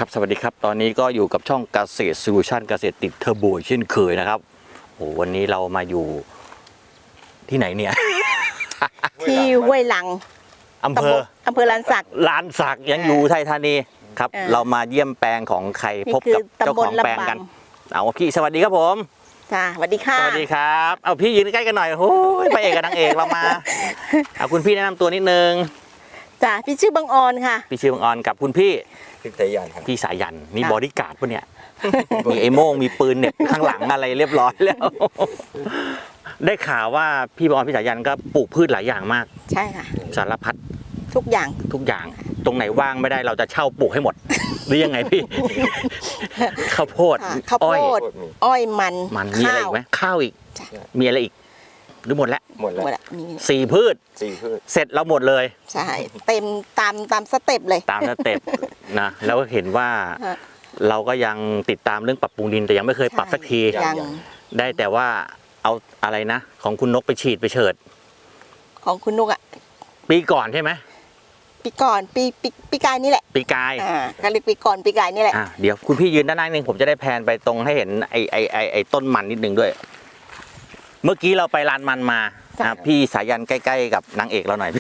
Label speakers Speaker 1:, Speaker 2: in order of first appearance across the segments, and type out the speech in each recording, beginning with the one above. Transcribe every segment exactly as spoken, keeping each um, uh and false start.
Speaker 1: ครับสวัสดีครับตอนนี้ก็อยู่กับช่องเกษตรโซลูชันเกษตรติดเทอร์โบเช่นเคยนะครับโอ้วันนี้เรามาอยู่ที่ไหนเนี่ย
Speaker 2: ที่ห้วยหลัง
Speaker 1: อำเภอ
Speaker 2: อำเภอลานสัก
Speaker 1: ลานสักยังอยู่ไทยธานีครับ
Speaker 2: เออ
Speaker 1: เรามาเยี่ยมแปลงของใคร
Speaker 2: นี่
Speaker 1: พบกับ
Speaker 2: คือ
Speaker 1: เจ้า
Speaker 2: ตำบ
Speaker 1: ข
Speaker 2: ล
Speaker 1: องแปลงกัน
Speaker 2: ลำปาง
Speaker 1: เอาพี่สวัสดีครับผม
Speaker 2: จ้าสวัสดีค่ะ
Speaker 1: สวัสดีครับเอาพี่ยืนใกล้กันหน่อยโอ้ยพระเอกกับนางเอกเรามาเอาคุณพี่แนะนำตัวนิดนึง
Speaker 2: จ้าพี่ชื่อบังออนค่ะ
Speaker 1: พี่ชื่อบังออนกับคุณพี่
Speaker 3: พิทยานครับ
Speaker 1: พี่สายันนี่
Speaker 2: ค่ะ
Speaker 1: บอดี้การ์ดปะเนี่ย มีไอ้โม่งมีปืนเหน็บข้างหลังอะไรเรียบร้อยแล้ว ได้ข่าวว่าพี่บอลพี่สายันก็ปลูกพืชหลายอย่างมาก
Speaker 2: ใช่ค่ะ
Speaker 1: สารพัด
Speaker 2: ทุกอย่าง
Speaker 1: ทุกอย่าง ตรงไหนว่างไม่ได้เราจะเช่าปลูกให้หมด หรือยังไงพี่ ข้าวโพด
Speaker 2: ค่ะข้าว
Speaker 1: อ้
Speaker 2: โพ
Speaker 1: อย
Speaker 2: ดอ้อยมัน
Speaker 1: มันมีอะไรอีกไหมข้าวอีก
Speaker 2: จ้ะ
Speaker 1: มีอะไรอีก หรือหมดแล้ว
Speaker 3: หมดแล้ว
Speaker 2: หมดละมี
Speaker 1: สี่พืช
Speaker 3: สี่พืช
Speaker 1: เสร็จเราหมดเลย
Speaker 2: ใช่เต็มตามตามสเต็ปเลย
Speaker 1: ตามสเต็ป นะแล้วก็เห็นว่า
Speaker 2: ฮะ
Speaker 1: เราก็ยังติดตามเรื่องปรับปรุงดินแต่ยังไม่เคยปรับสักที
Speaker 2: ยัง
Speaker 1: ได้แต่ว่าเอาอะไรนะ ของคุณนกไปฉีดไปเฉิด
Speaker 2: ของคุณนุกอ่ะ
Speaker 1: ปีก่อนใช่ไหม
Speaker 2: ปีก่อนปีปีปีกายนี่แหละ
Speaker 1: ปีกาย
Speaker 2: อ่าก็เรียกปีก่อนปีกายนี่แหละ
Speaker 1: อ่ะเดี๋ยวคุณพี่ยืนด้านหน้านิดนึงผมจะได้แพนไปตรงให้เห็นไอไอไอไอต้นมันนิดนึงด้วย เมื่อกี้เราไปลานมันมาอ่ะพี่สายันใกล้ๆกับนางเอกเราหน่อย พี่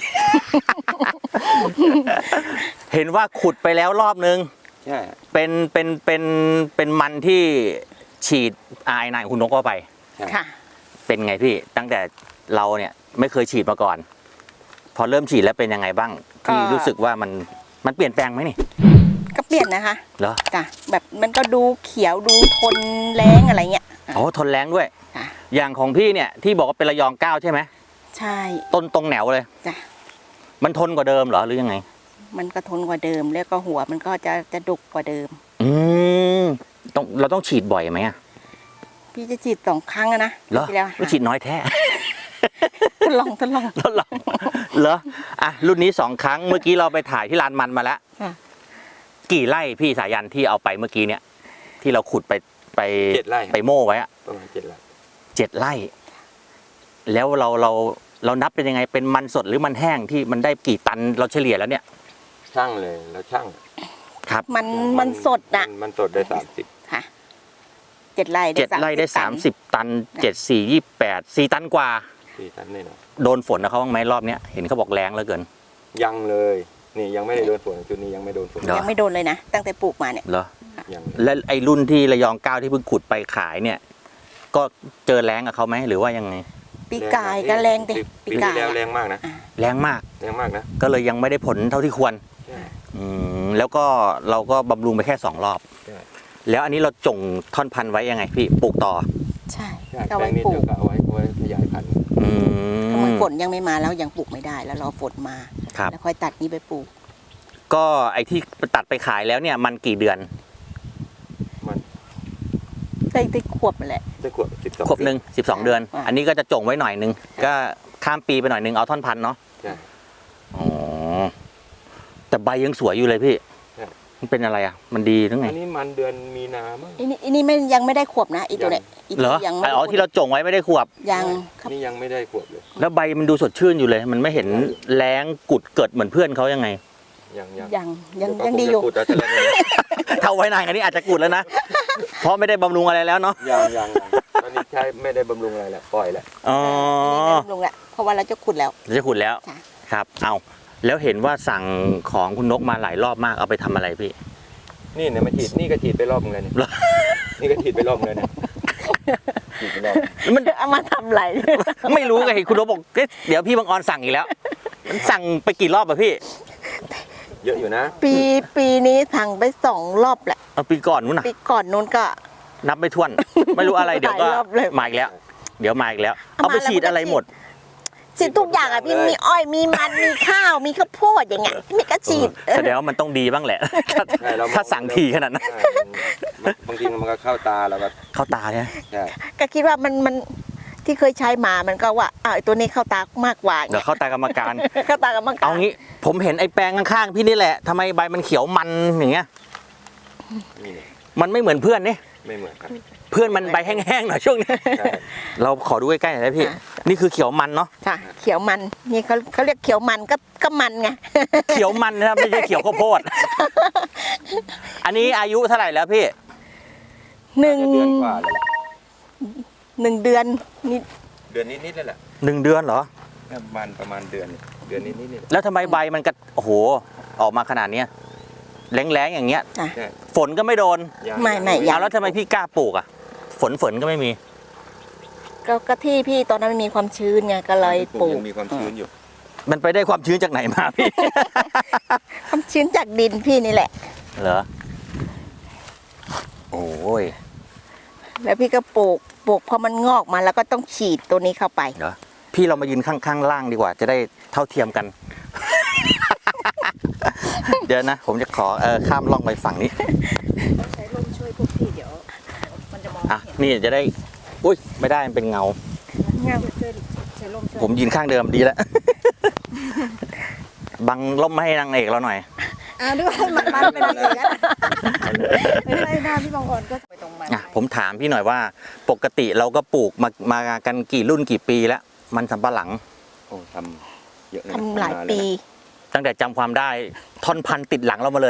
Speaker 1: เห็นว่าขุดไปแล้วรอบนึง
Speaker 3: ใช่
Speaker 1: เป็นเป็นเป็นเป็นมันที่ฉีดไอายนายคุณนกเข้าไป
Speaker 2: ค่ะ
Speaker 1: เป็นไงพี่ตั้งแต่เราเนี่ยไม่เคยฉีดมาก่อน พอเริ่มฉีดแล้วเป็นยังไงบ้างพี่รู้สึกว่ามันมันเปลี่ยนแปลงไหมนี่
Speaker 2: ก็เปลี่ยนนะคะ
Speaker 1: เหรอ
Speaker 2: จ้ะแบบมันก็ดูเขียวดูทนแรงอะไรเงี้ย
Speaker 1: อ๋อทนแรงด้วย
Speaker 2: ค่ะ
Speaker 1: อย่างของพี่เนี่ยที่บอกว่าเป็นระยองเก้าใช่ไหม
Speaker 2: ใช่
Speaker 1: ต้นตรงแหนวเลย
Speaker 2: จ้ะ
Speaker 1: มันทนกว่าเดิมเหรอหรือยังไง
Speaker 2: มันก็ทนกว่าเดิมแล้วก็หัวมันก็จะจะดุกกว่าเดิม
Speaker 1: อืมต้องเราต้องฉีดบ่อยไหมอะ
Speaker 2: พี่จะฉีดสองครั้งอะนะ
Speaker 1: เหรอ
Speaker 2: ที่แล้ว
Speaker 1: ก็ฉีดน้อยแท้
Speaker 2: ทดลองทดลอง
Speaker 1: ทดลองเหรออ่ะรุ่นนี้สองครั้งเมื่อกี้เราไปถ่ายที่ลานมันมาแล้ว
Speaker 2: ค่ะ
Speaker 1: กี่ไร่พี่สายันที่เอาไปเมื่อกี้เนี่ย ที่เราขุดไปไป
Speaker 3: เจ็ดไร่ครับ
Speaker 1: ไปโม่ไว้อะ
Speaker 3: ประมาณเจ็ดไร่
Speaker 1: เจ็ดไร่ แล้วเราเราเรานับเป็นยังไงเป็นมันสดหรือมันแห้งที่มันได้กี่ตันเราเฉลี่ยแล้วเนี่ย
Speaker 3: ช่างเลยแล้วช่าง
Speaker 1: ครับ
Speaker 2: มันมันสดอะ
Speaker 3: มันมันสดได้สามสิบ
Speaker 2: ค่ะเจ็ดไร่
Speaker 1: เจ็ดไร่ได้สามสิบตันเจ็ดสี่ยี่แปดสี่ตันกว่า
Speaker 3: สี่ตันแน่นอน
Speaker 1: โดนฝนนะเขาบ้างไหมรอบเนี้ยเห็นเขาบอกแรงเหลือเกิน
Speaker 3: ยังเลยนี่ยังไม่ได้โดนฝนชุดนี้ยังไม่โดนฝน
Speaker 1: เหรอ
Speaker 2: ยังไม่โดนเลยนะตั้งแต่ปลูกมาเนี่ย
Speaker 1: เหรอ
Speaker 3: ยัง
Speaker 1: และไอ้รุ่นที่ระยองเก้าที่เพิ่งขุดไปขายเนี่ย ก็เจอแรงกับเขาไหมหรือว่ายังไง
Speaker 2: ปีกายก็แรงดิ
Speaker 3: ปี
Speaker 2: ปี
Speaker 3: ที่
Speaker 2: กาย
Speaker 3: แล้ว
Speaker 2: อะ
Speaker 3: แรงมากนะ
Speaker 1: แรงมาก
Speaker 3: แรงมากนะ
Speaker 1: ก็เลยยังไม่ได้ผลเท่าที่ควร
Speaker 3: ใช่
Speaker 1: อืมแล้วก็เราก็บำรุงไปแค่สองรอบ
Speaker 3: ใช่
Speaker 1: แล้วอันนี้เราจงท่อนพันธุ์ไว้ยังไงพี่ปลูกต่อ
Speaker 2: ใช่
Speaker 3: ใช่
Speaker 2: ก็
Speaker 3: แปล
Speaker 2: ไว้
Speaker 3: งนี้
Speaker 2: ปลู
Speaker 3: เดี๋ย
Speaker 2: ก
Speaker 3: วก็เอาไว้เอาไว้ขยายพันธุ์
Speaker 1: อื
Speaker 2: ก็เหมือน
Speaker 1: ม
Speaker 2: ฝนยังไม่มาแล้วยังปลูกไม่ได้แล้วรอฝนมา
Speaker 1: ครับ
Speaker 2: แล้วค่อยตัดนี้ไปปลูก
Speaker 1: ก็ไอ้ที่ตัดไปขายแล้วเนี่ยมันกี่เดือน
Speaker 3: มัน
Speaker 2: ได้ได้ขวบมาแหละ
Speaker 3: ได้ขวบสิบสอง
Speaker 1: ครบหนึ่งสิบสองเดือน
Speaker 2: อ่า
Speaker 1: อันนี้ก็จะจงไว้หน่อยนึงก็ข้ามปีไปหน่อยนึงเอาท่อนพันธุ์เนาะ
Speaker 3: ใช่
Speaker 1: อ๋อแต่ใบยังสวยอยู่เลยพี่
Speaker 3: ใช่
Speaker 1: มันเป็นอะไรอ่ะ มันดีหรือไง
Speaker 3: อันนี้มันเดือนมีนามั้ง
Speaker 2: อันนี้อันนี้ไม่ยังไม่ได้ขวบนะอีตัวเนี้ยอี
Speaker 1: เหร
Speaker 2: ตัว
Speaker 1: อ
Speaker 2: ยังไม่
Speaker 1: อ๋อที่เราจงไว้ไม่ได้ขวบ
Speaker 2: ยังครับ
Speaker 3: นี่ยังไม่ได้ขวบเลย
Speaker 1: แล้วใบมันดูสดชื่นอยู่เลย มันไม่เห็นแรงกุดเกิดเหมือนเพื่อนเขายังไง
Speaker 3: ยังยัง
Speaker 2: ยังยัง
Speaker 3: เวก็
Speaker 2: ยังดีอยู่
Speaker 3: คงจะขุดแล้วจะเล่นเลย
Speaker 1: ถ้าไว้นานกันนี้อาจจะกุดแล้วนะ เพราะไม่ได้บำรุงอะไรแล้วเนาะ
Speaker 3: ยังยังยังตอนนี้ใช้ไม่ได้บำรุงอะไรแล้วปล่อยแล้ว
Speaker 1: อ๋อ
Speaker 2: อันนี้ได้ลงแล้วเพราะว่าเราจะขุดแล้ว
Speaker 1: จะขุดแล้ว
Speaker 2: ค่ะ
Speaker 1: ครับ เอาแล้วเห็นว่าสั่งของคุณนกมาหลายรอบมากเอาไปทำอะไรพี่
Speaker 3: นี่เนี่ยมาฉีดนี่ก็ฉีดไปรอบนึงเลยเนี่ย
Speaker 1: เหรอ
Speaker 3: นี่ก็ฉีดไปรอบนึงเลยเนี่ยฉีดไปรอบ
Speaker 1: มัน
Speaker 2: เอามาทำอะไร
Speaker 1: ไม่รู้ไงเห็นคุณนกบอกเอ๊ะเดี๋ยวพี่บังออนสั่งอีกแล้ว มันสั่งไปกี่รอบอะพี่
Speaker 3: เยอะอยู่นะ
Speaker 2: ปีปีนี้สั่งไปสองรอบแหละ
Speaker 1: เอาปีก่อนนู้นนะ
Speaker 2: ปีก่อนนู้นก็
Speaker 1: นับไม่ถ้วน ไม่รู้อะไรเดี๋ยวก็
Speaker 2: หลายรอบเลย
Speaker 1: มาอีกแล้ว เดี๋ยวมาอีกแล้ว
Speaker 2: เอา
Speaker 1: เอาไป
Speaker 2: มาแล้ว
Speaker 1: ฉีด
Speaker 2: มันก็
Speaker 1: อะไร
Speaker 2: ฉีด
Speaker 1: หมด
Speaker 2: ฉีดทุกอย่างอ่ะพี่มีอ้อยมีมันมีข้าวมีข้าวโพดอย่างเงี้ยมีกระฉีด
Speaker 1: เออแสดงว่ามันต้องดีบ้างแหละ ถ้า
Speaker 3: ใช่เรามอง
Speaker 1: ถ้าสั่งทีขนาดนั้น
Speaker 3: ใช่มันบางทีมันก็เข้าตาแล้วก็
Speaker 1: เข้าตาเนี่ย
Speaker 3: ใช่
Speaker 2: ก็คิดว่ามันมันที่เคยใช้มามันก็ว่าอ้าวไอ้ตัวนี้เข้าตามากกว่า
Speaker 1: เดี๋ยวเข้าตากรรมการ
Speaker 2: เข้าตากับมังกร
Speaker 1: เอางี้ผมเห็นไอ้แปลงข้างๆพี่นี่แหละทำไมใบมันเขียวมันอย่างเงี้ย
Speaker 3: นี่เนี่ย
Speaker 1: มันไม่เหมือนเพื่อนนี่
Speaker 3: ไม่เหมือนกัน
Speaker 1: เพื่อนมันใบแห้งๆหน่อยช่วงนี้
Speaker 3: ใช่
Speaker 1: เราขอดูใกล้ๆหน่อยได้พี่
Speaker 2: อ่ะ
Speaker 1: นี่คือเขียวมันเนาะ
Speaker 2: ค่ะ เขียวมันนี่เขาเขาเรียกเขียวมันก็ก็มันไง
Speaker 1: เขียวมันนะครับไม่ใช่เขียวข้าวโพด อันนี้อายุเท่าไหร่แล้วพี่
Speaker 2: หนึ่ง
Speaker 3: เดือนกว่าเลยแหละ
Speaker 2: หนึ่งเดือนนี่
Speaker 3: เดือนนิดๆเลยแหละ
Speaker 1: หนึ่งเดือนเหรอ
Speaker 3: ประมาณประมาณเดือนเดือนนิดๆนี่แหละ
Speaker 1: แล้วทำไมใบมันก็โอ้โหออกมาขนาดเนี้ยแรงๆอย่างเงี้ย
Speaker 2: จ้ะ
Speaker 3: ใช่
Speaker 1: ฝนก็ไม่โดน
Speaker 3: ยัง
Speaker 2: ไม่ไม่
Speaker 1: เอาแล้วทำไมพี่กล้าปลูกอ่ะ ฝนฝนก็ไม่มี
Speaker 2: ก็ก็ที่พี่ตอนนั้นมันมีความชื้นไงก็เลยปลูก
Speaker 3: ยังมีความชื้นอยู่
Speaker 1: มันไปได้ความชื้นจากไหนมาพี่
Speaker 2: ความชื้นจากดินพี่นี่แหละ
Speaker 1: เหรอ โอ้ย
Speaker 2: แล้วพี่ก็ปลูกปลูกพอมันงอกมาแล้วก็ต้องฉีดตัวนี้เข้าไป
Speaker 1: เหรอพี่เรามายืนข้างๆล่างดีกว่า จะได้เท่าเทียมกัน เดี๋ยวนะ ผมจะขอเออข้ามล่องไปฝั่งนี้
Speaker 2: ใช้ลมช่วยพวกพี่เดี๋ยวมันจะมอง
Speaker 1: อ่ะนี่จะได้ อุ้ยไม่ได้มันเป็นเงา
Speaker 2: เงาช่วยใช้ลมช่วย
Speaker 1: ผมยืนข้างเดิมดีแล้ว บังล่มไม่ให้นางเอกเราหน่อย
Speaker 2: อ่าด้วยมันมันเป็นอะไรกันไม่ใช่หน้าพี่บางอ่อนก็ไปตรงมัน
Speaker 1: อ่ะผมถามพี่หน่อยว่า ปกติเราก็ปลูกมามากันกี่รุ่นกี่ปีแล้ว มันสำปะหลัง
Speaker 3: โอ้ทำเยอะนะ
Speaker 2: ทำหลาย
Speaker 3: นน
Speaker 2: ปี
Speaker 1: ตั้งแต่จำความได้ท่อนพันธุ์ติดหลังเรามาเลย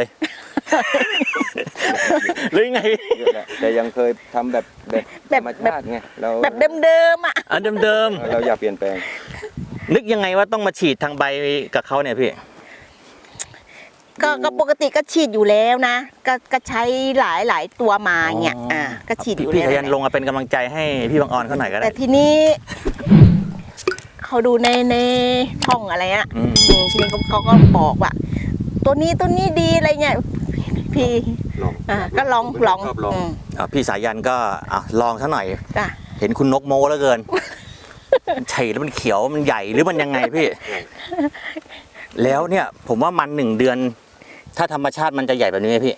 Speaker 1: หรือไง
Speaker 3: เยอะแหละแต่ยังเคยทำแบบแบบ
Speaker 2: แบบ
Speaker 3: ธรรมชาติไงเรา
Speaker 2: แบบเดิมๆอ่ะ
Speaker 1: อันเดิม
Speaker 3: เราอยากเปลี่ยนแปลง
Speaker 1: ๆนึกยังไงว่าต้องมาฉีดทางใบกับเขาเนี่ยพี่
Speaker 2: ก็ก็ปกติก็ฉีดอยู่แล้วนะ ก็ก็ใช้หลายหลายตัวมาเงี้ย
Speaker 1: อ๋ออ่
Speaker 2: อ่าก็ฉีดอยู่
Speaker 1: พี่
Speaker 2: แล้ว
Speaker 1: พยันลงมาเป็นกำลังใจให้พี่บางออนเขาหน่อยก็ได้
Speaker 2: แต่ทีนี้ เขาดูในในช่องอะไรอ่ะ
Speaker 1: อืม
Speaker 2: อืมทีนี้เขาเขาก็บอกว่า ตัวนี้ตัวนี้ดีอะไรเงี้ยพี่
Speaker 3: ลอง
Speaker 2: อ่าก็ลอง
Speaker 3: ผมเป็นคน
Speaker 2: ลอง
Speaker 3: ชอบลอง
Speaker 2: อืม
Speaker 1: อ่ะพี่สายันก็อ่ะลองซะหน่อย
Speaker 2: จ้ะ
Speaker 1: เห็นคุณนกโมแล้วเกิน มันไฉแล้วมันเขียวมันใหญ่หรือมันยังไงพี่ แล้วเนี่ย ผมว่ามันหนึ่งเดือน ถ้าธรรมชาติมันจะใหญ่แบบนี้ไหมพี่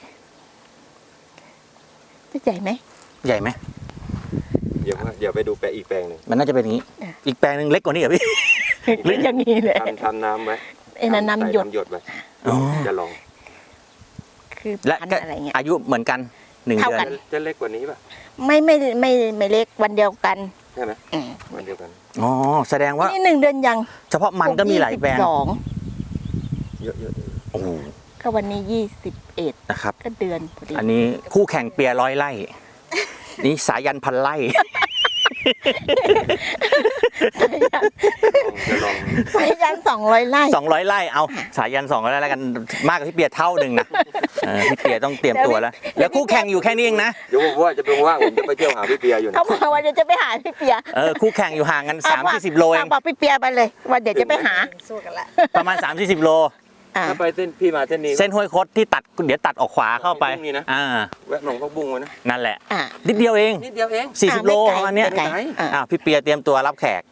Speaker 2: จะใหญ่ไหม
Speaker 1: ใหญ่ไหม
Speaker 3: เดี๋ยวว่าเดี๋ยวไปดูแปลงอีกแปลงหนึ่ง
Speaker 1: มันน่าจะเป็นอย่างนี้
Speaker 2: อ่ะ
Speaker 1: อีกแปลงหนึ่งเล็กกว่านี้เหรอพี่
Speaker 2: หรืออย่างนี้เลย
Speaker 3: ทำทำน้ำไว้
Speaker 2: ไอ้นั่นน้ำหยด
Speaker 3: ใส่หยดไว้
Speaker 1: อ๋อ
Speaker 3: จะลอง
Speaker 2: คือ
Speaker 1: และ
Speaker 2: พัน
Speaker 1: ก็
Speaker 2: ธุ์อะไรเงี้ย
Speaker 1: อายุเหมือนกันหนึ่ง
Speaker 2: เท่า
Speaker 1: เดือ
Speaker 2: กัน น
Speaker 3: จะเล็กกว่านี้ป่ะ
Speaker 2: ไม่ไม่ไม่ไม่เล็กวันเดียวกัน
Speaker 3: ใช่ไหม
Speaker 2: อืม
Speaker 3: วันเดียวกัน
Speaker 1: อ๋อแสดงว่า
Speaker 2: นี่หนึ่งเดือนยัง
Speaker 1: เฉพาะมันก็มีหลายแปลง
Speaker 2: สอง
Speaker 3: เยอะเยอะ
Speaker 1: โอ้โห
Speaker 2: ก็วันนี้ยี่สิบเอ็ด
Speaker 1: นะครับ
Speaker 2: ก็เดือนพอดี
Speaker 1: อันนี้คู่แข่งเปียร้อยไร่ นี่สายันพันไร่
Speaker 3: จะลอง
Speaker 2: ไปยันสองร้อยไร่
Speaker 1: สองร้อยไร่เอาสายันสองร้อยไร่แล้วกันมากกว่าพี่เปียเท่าหนึ่งนะเออพี่เปียต้องเตรียมตัวแล้ว แล้วคู่แข่งอยู่แค่นี้เองนะ
Speaker 3: เดี๋ยวผมว่าจะเป็นว่างผมจะไปเที่ยวหาพี่เปียอยู่นะ
Speaker 2: เขาบอกว่าเดี๋ยวจะไปหาพี่เปีย
Speaker 1: เออคู่แข่งอยู่ห่างกันสามสี่สิบโลเอง
Speaker 2: บอกพี่เปียไปเลยว่าเดี๋ยวจะไปหา
Speaker 1: ประมาณสามสี่สิบโล
Speaker 2: อ่า
Speaker 3: ถ้าไปเส้นพี่มาเส้นนี้
Speaker 1: เส้นห้วยคดที่ตัดเดี๋ยวตัดออกขวาเข้าไป
Speaker 3: ตรงนี้นะ
Speaker 1: อ่า
Speaker 3: แวะหนองพักบุ้งไว้นะ
Speaker 1: นั่นแหละ
Speaker 2: อ่า
Speaker 1: นิดเดียวเอง
Speaker 3: นิดเดียวเอง
Speaker 1: สี่สิบโลประมาณเนี้ย
Speaker 2: ไกลอ่า
Speaker 1: อ่าพี่เปียเตรียมตัวรับแขก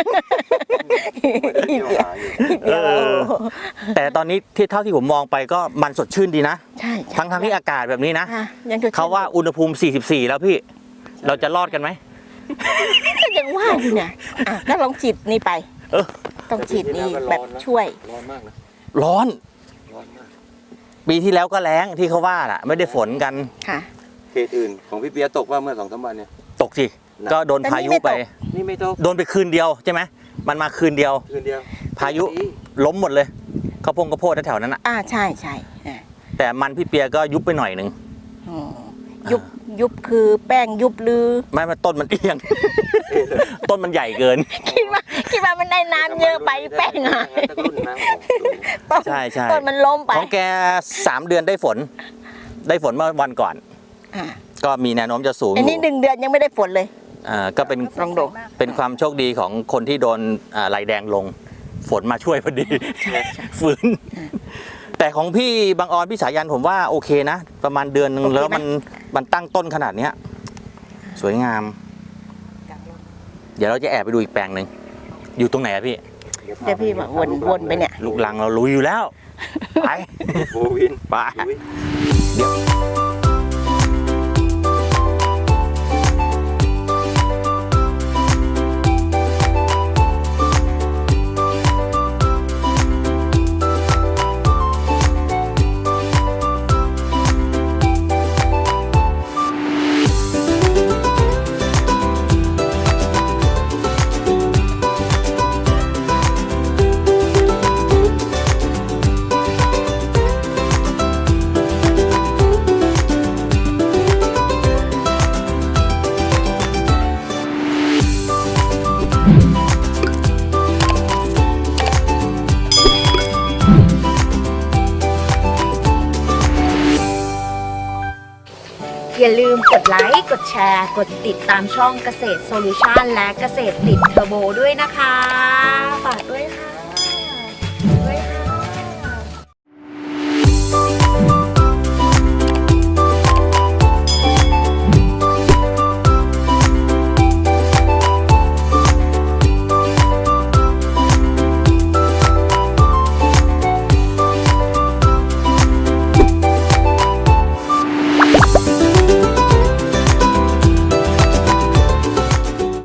Speaker 3: ไม่ได้เที่ยวหาอยู่
Speaker 1: เออ แต่ตอนนี้ที่เท่าที่ผมมองไปก็มันสดชื่นดีนะ
Speaker 2: ใช่ใช่
Speaker 1: ทั้งทั้งที่อากาศแบบนี้นะ
Speaker 2: อ่ะยังจะ
Speaker 1: เขาว่าอุณหภูมิสี่สิบสี่แล้วพี่ เราจะรอดกันไหม
Speaker 2: ก็ยังว่าอยู่เนี่ยอ่ะก็ลองฉีดนี่ไป
Speaker 1: เออ
Speaker 2: ต้องฉีดนี่แบบช่วย
Speaker 3: ร้อนมากนะ
Speaker 1: ร้อน
Speaker 3: ร้อนมาก
Speaker 1: ปีที่แล้วก็แล้งที่เขาว่าน่ะ ไม่ได้ฝนกัน
Speaker 2: ค่ะ
Speaker 3: เขตอื่นของพี่เปียตกว่าเมื่อสองสามวันเนี่ย
Speaker 1: ตกสิ ก็โดนพายุไป
Speaker 3: นี่ไม่ตก
Speaker 1: โดนไปคืนเดียวใช่ไหม มันมาคืนเดียว
Speaker 3: คืนเดียว
Speaker 1: พายุล้มหมดเลยข้าวโพงข้าวโพดแถวๆนั้นน่ะ
Speaker 2: อ่าใช่ใช่อ่ะ
Speaker 1: แต่มันพี่เปียก็ยุบไปหน่อยหนึ่ง
Speaker 2: อืมยุบยุบคือแป้งยุบหรือ
Speaker 1: ไม่มาต้นมันเอียง ต้นมันใหญ่เกิน
Speaker 2: คิดว่าคิดว่ามันได้น้ำเยอะไปแป้งหาย
Speaker 3: ตะกรุ่นนะโอ้โห
Speaker 2: ต้น
Speaker 1: ใช่ใช่
Speaker 2: ต้นมันล้มไป
Speaker 1: ของแกสามเดือนได้ฝน ได้ฝนเมื่อวันก่อน
Speaker 2: อ่า
Speaker 1: ก็มีแนวโน้มจะสูงอ
Speaker 2: อันนี้
Speaker 1: ยู่
Speaker 2: หนึ่งเดือนยังไม่ได้ฝนเลย
Speaker 1: อ่าก็เป็น
Speaker 2: ลองดู
Speaker 1: เป็นความโชคดีของคนที่โดนอ่าลายแดงลง ฝนมาช่วยพอดี ฝืน แต่ของพี่บางออนพี่สายันผมว่าโอเคนะ ประมาณเดือนหนึง
Speaker 2: โอเคไหม
Speaker 1: แล้วมันมันตั้งต้นขนาดเนี้ย สวยงาม เดี๋ยวเราจะแอบไปดูอีกแปลงหนึ่งอยู่ตรงไหนอะพี่
Speaker 2: เดี๋ยวพี่บอกวนวนไปเนี่ย
Speaker 1: ลูกลังเรารู้อยู่แล้ว ไป
Speaker 3: โบวิน
Speaker 1: ไป
Speaker 3: โบวิน
Speaker 4: อย่าลืมกดไลค์ กดแชร์ กดติดตามช่องเกษตรโซลูชันและเกษตรติดเทอร์โบด้วยนะคะ ฝากด้วยค่ะ